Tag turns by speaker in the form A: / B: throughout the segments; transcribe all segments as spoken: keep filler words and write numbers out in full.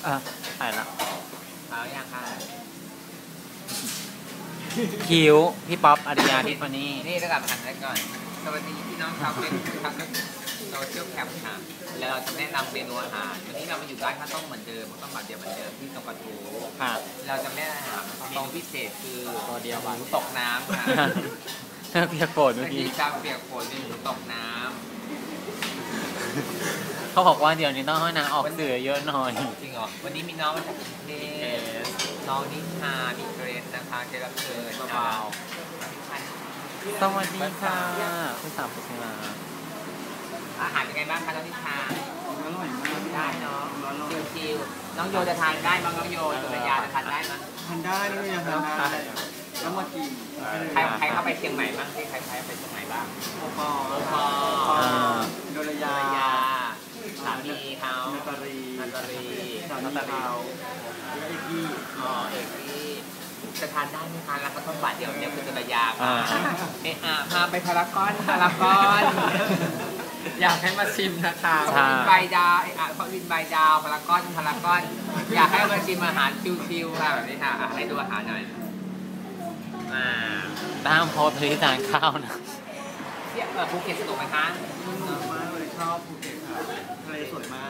A: อ่ะถ่ายละ
B: เอาอย่างค่ะ
A: คิวพี่ป๊อปอาริยาทิฟานี่
B: นี่ระดับหันไปก่อนสวัสดีพี่น้องชาวเฟซบุ๊กทางโซเชียลแคปค่ะแล้วเราจะแนะนำเมนูอาหารวันนี้เรามาอยู่ร้านข้าวต้มเหมือนเดิมข้าวต้มแบบเดียวเหมือนเดิมที่ตรงกระทู
A: ค่ะ
B: เราจะแนะนำอาหารเมนูพิเศษคือ
A: ตัวเดียว
B: หมูตกน้ำค่ะ
A: เปียกโกรธเมื่อกี้
B: ชาเปียกโกรธเป็นหมูตกน้ำ
A: เขาบอกว่าเดี๋ยวนี้ต้องให้นางออกสื่อเยอะหน่อย
B: จริงเหรอวันนี้มีน้องมาจากกรุงเทพน้องนิชามีเกรดนะคะเกรดรับเชิญเบา
A: สวัสดีค่ะคุณสาวพุทธิลา
B: อาหารเป็นไงบ้างคะน้องนิชา
C: อร่อยมาก
B: ได้เนาะชิวๆน้องโยจะทานได้มั้งน้องโยสุรยาจะทานได้มั้ง
C: ทานได้ด้วยยังทานได้แล้วมากิน
B: ใครใครเข้าไปเชียงใหม่บ้างที่ใครใครไปเชียงใหม่บ้าง
C: โอปอโอ
B: ปอ
C: โดรยา
B: สามีเขา
C: นาตาลี
B: นาตาลี
C: สามีเขาเอกกี้
B: อ๋อเอกกี้จะทานได้ไหมคะแล้วก็ต้องบาทเดียวเนี่ยคือสุรยาค่ะเอะอะพาไปพารากอนพารากอนอยากให้มาชิมนะคะเขาวินใบดาวเอะเขาวินใบดาวพารากอนพารากอนอยากให้มาชิมอาหารชิวๆค่ะแบบนี้ค่ะให้ดูอาหารหน่อยอ่า
A: ตามโพสต์ที่ทานข้าวนะ
B: เที่ยวภูเก็ตสนุกไหมคะ
C: สนุกมากเลยชอบภูเก็ตค่ะทะเลสวยมาก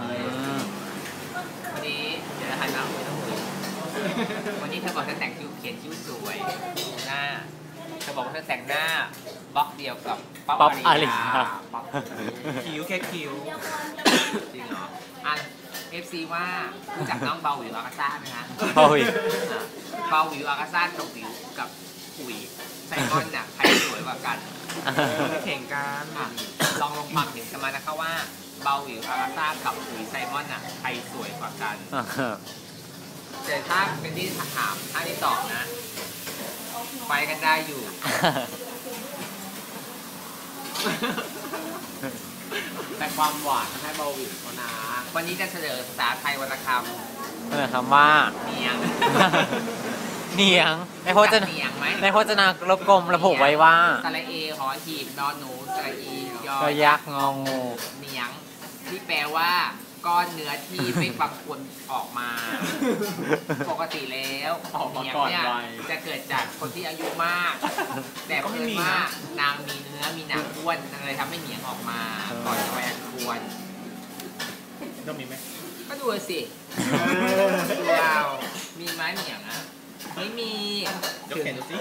B: วันนี้เดี๋ยวหันมาคุยต้องคุยวันนี้เธอบอกเธอแต่งคิ้วเขียนคิ้วสวยหน้าเธอบอกว่าเธอแต่งหน้าบล็อกเดียวกับ
A: ป๊อปอาริยา
C: คิ้วแค่คิ้ว
B: จริงเหรออ่ะเอฟซีว่ารู้จักน้องเบาหวิวอากาซ่าไหมคะ
A: เบาหวิว
B: เบาหวิวอากาซ่ากับหวิวกับอุ๋ยไซมอนน่ะใครสวยกว่ากัน
C: แข่งกัน
B: ลองลงความเห็นกันมานะคะว่าเบาหวิวอากาซ่ากับอุ๋ยไซมอนน่ะใครสวยกว่ากันแต่ถ้าเป็นที่ถามถ้าที่ตอบนะไปกันได้อยู่แต่ความหวานให้เบาหวิวเขานะวันนี้จะเฉลยภาษาไทยวรรณคำ
A: เฉลยคำว่า
B: เนียง
A: เนียงในพจนาในพจนารบกลมระบุไว้ว่า
B: สระเอหอหีบนอนหนูสระอีย
A: อยักษ์งองู
B: เนียงที่แปลว่าก้อนเนื้อที่ไม่บางคนออกมาปกติแล้วเนียงเนี่ยจะเกิดจากคนที่อายุมากแต่เพิ่งว่านางมีเนื้อมีหนังอ้วนอะไรทำให้เนียงออกมาก่อนจะไปอันควร
C: ต้องมีไหม
B: ก็ดูสิว้าวมีไหมเนียงอ่ะไม่มี
C: ยกแขนดูสิ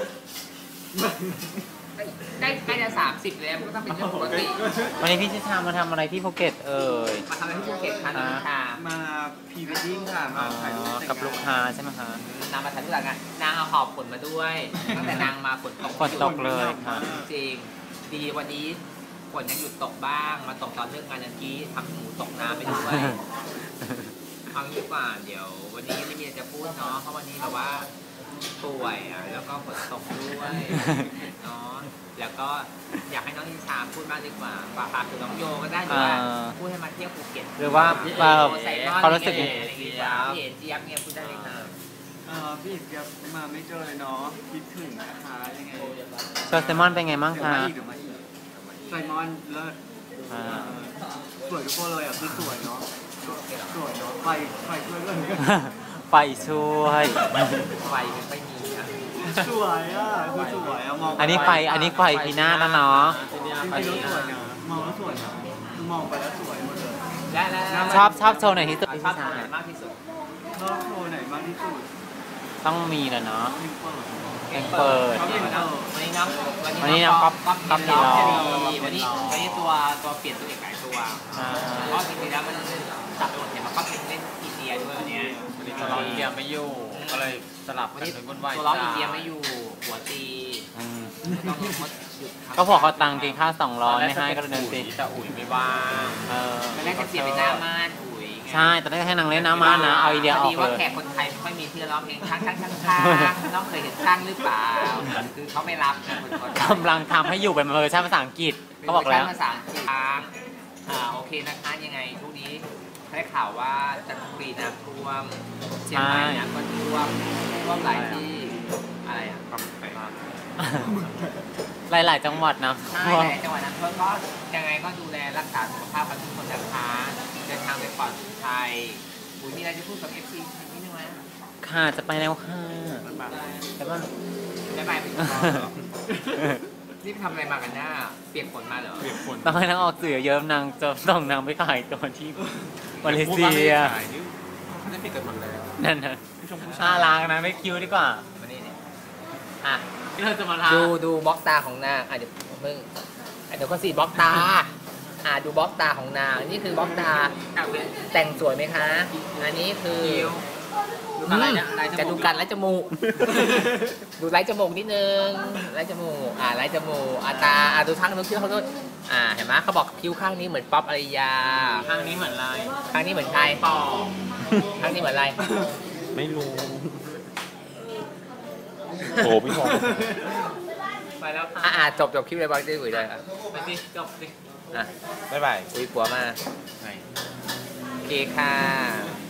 B: ใกล้ใกล้จะสามสิบแล้วก็ต้องเป็นเรื่องปกติ
A: วันนี้พี่ชิชามาทำอะไรที่ภูเก็ตเอ่ย
B: มาทำอะไรที่ภูเก็ตคะน้องชา
C: มาพรีเวดดิ้งค่ะมาถ่ายรูป
A: กับลูกค้าใช่ไหมคะ
B: นางมาถ่ายรูปกันนางเอาหอบฝนมาด้วยตั้งแต่นางมาฝนตก
A: ฝนตกเลยค่ะ
B: จริงดีวันนี้ฝนยังหยุดตกบ้างมาตกตอนเลิกงานยันกี้ทำหมูตกน้ำไปด้วยเอางี้กว่าเดี๋ยววันนี้ไม่มีจะพูดเนาะเพราะวันนี้แบบว่าป่วยอ่ะแล้วก็ฝนตกด้วยเนาะแล้วก็อยากให้น้องนิชาพูดมากดีกว่าฝากฝากถึงน้องโยก็ได้หรือว่าพูดให้มาเที่ยวภูเก็ต
A: หรือว่า
B: เขารู้สึกอย่างไรพี่เอ๋เจี๊ยบเนี่ยพูดได้เลยค่ะ
C: พี่เอ๋เจี๊ยบมาไม่เจอเลยเนาะคิดถึงนะคะยังไง
A: โชว์ไซมอนเป็นไงบ้างคะ
C: ไซมอนเลิศสวยทุกคนเลยอ่ะคือสวยเนาะสวยเนาะไฟไฟช่วยเลย
A: ไฟช่วย
B: ไฟไม่มีอ่ะ
C: สวยอ่ะคือสวยอ่ะมอง
A: อันนี้ไฟอันนี้ไฟพีหน้าแล้วเนาะ
C: จริงๆแล้วสวยนะมองแล้วสวยนะมองไปแล้วสวยหมดเลย
A: ชอบชอบโชว์ไหนที่สุด
B: ชอบโชว์ไหนมากที่สุด
C: ชอบโชว์ไหนมากที่สุด
A: ต้องมีแหละเนาะ
B: ยังเปิดวันนี้น้องวันนี้น้องก๊อฟก๊อฟก๊อฟน้องจะดีวันนี้วันนี้ตัวตัวเปลี่ยนตัวเอกหลายตัวเพราะจริงๆแล้วมันตัดบทเนี่ยมันก็เป็นเล่นอินเดียด้วยวันนี้
A: ตัวร้องอินเดียไม่อยู่ก็เลยสลับกันเป็นวุ่นวาย
B: ตัวร้องอินเดียไม่อยู่หัวตี
A: ก็พอเขาตังกินข้าวสองร้อยไม่ให้ก็เลยเดินตี
B: แต่อุ๋ยไม่ว่างเออไม่ได้จะเปลี่ยนเป็นหน้าม่านอุ๋ย
A: ใช่แต่ได้ให้นางเล่นหน้าม่านนะเอาอินเดียออกเลย
B: ดีว่าแขกคนไทยไม่ค่อยมีที่ร้องเพลงข้างข้างข้างข้างน้องเคยเห็นข้างหรือเปล่าคือเขาไม่รับ
A: กำลังทำให้อยู่เป็นเวอร์ชันภาษาอังกฤษเขาบอกแล้ว
B: ภาษาอังกฤษอ่าโอเคนะคะยังไงทุกนี้ได้ข่าวว่าจันทบุรีน้ำท่วมเชียงใหม่น้ำก็ท่วมท่วมหลายที่อะไรอ่ะ
A: หลายๆจังหวัดนะ
B: ใช่หลายจังหวัดนะเพื่อก็ยังไงก็ดูแลรักษาสุขภาพกันทุกคนนะคะเดินทางไปปลอดภัยบุญที่อะไรจะพูดกับเอฟซีนิดนึงไหม
A: ค่ะจะไปแล้วค่ะ
B: มันแบบ
A: แต่ว่า
B: ได้ไปเป็นตอนเหรอนี่ไปทำอะไรมากันหน้าเปียกฝนมาเหรอเปียกฝน
A: ต้องให้นางออกสื่อเยอะนางจะต้องนางไปขายตัวที่มาเลเซีย
B: เขาได้ปิดกันหมดแล้ว
A: นั่นนะน่ารักนะไม่คิวดีกว่า
B: มานี่เนี่ยอ่ะ
A: ที่เราจะมาทา
B: ดูดูบล็อกตาของนางอ่ะเดี๋ยวเพิ่งอ่ะเดี๋ยวก็สีบล็อกตาอ่ะดูบล็อกตาของนางนี่คือบล็อกตาแต่งสวยไหมคะ อันนี้คืออืมจะดูกันไล่จมูก ดูไล่จมูกนิดนึงไล่จมูกอ่ะไล่จมูกอ่ะตาอ่ะดูข้างนู้นคิ้วเขาด้วยอ่ะเห็นไหมเขาบอกคิ้วข้างนี้เหมือนป๊อปอารยา
A: ข้างนี้เหมือนอะไร
B: ข้างนี้เหมือนใครปอข้างนี้เหมือนอะไร
D: ไม่รู้โอ้พี่พอ
A: ไปแล้วค่ะ
B: อ่ะอ่ะจบจบคลิปเลยบอลได้คุยได้ครับ
A: ไปสิจบสิ
B: อ่ะ
D: บ๊ายบาย
B: คุยปัวมา
D: ไหน
B: โอเคค่ะ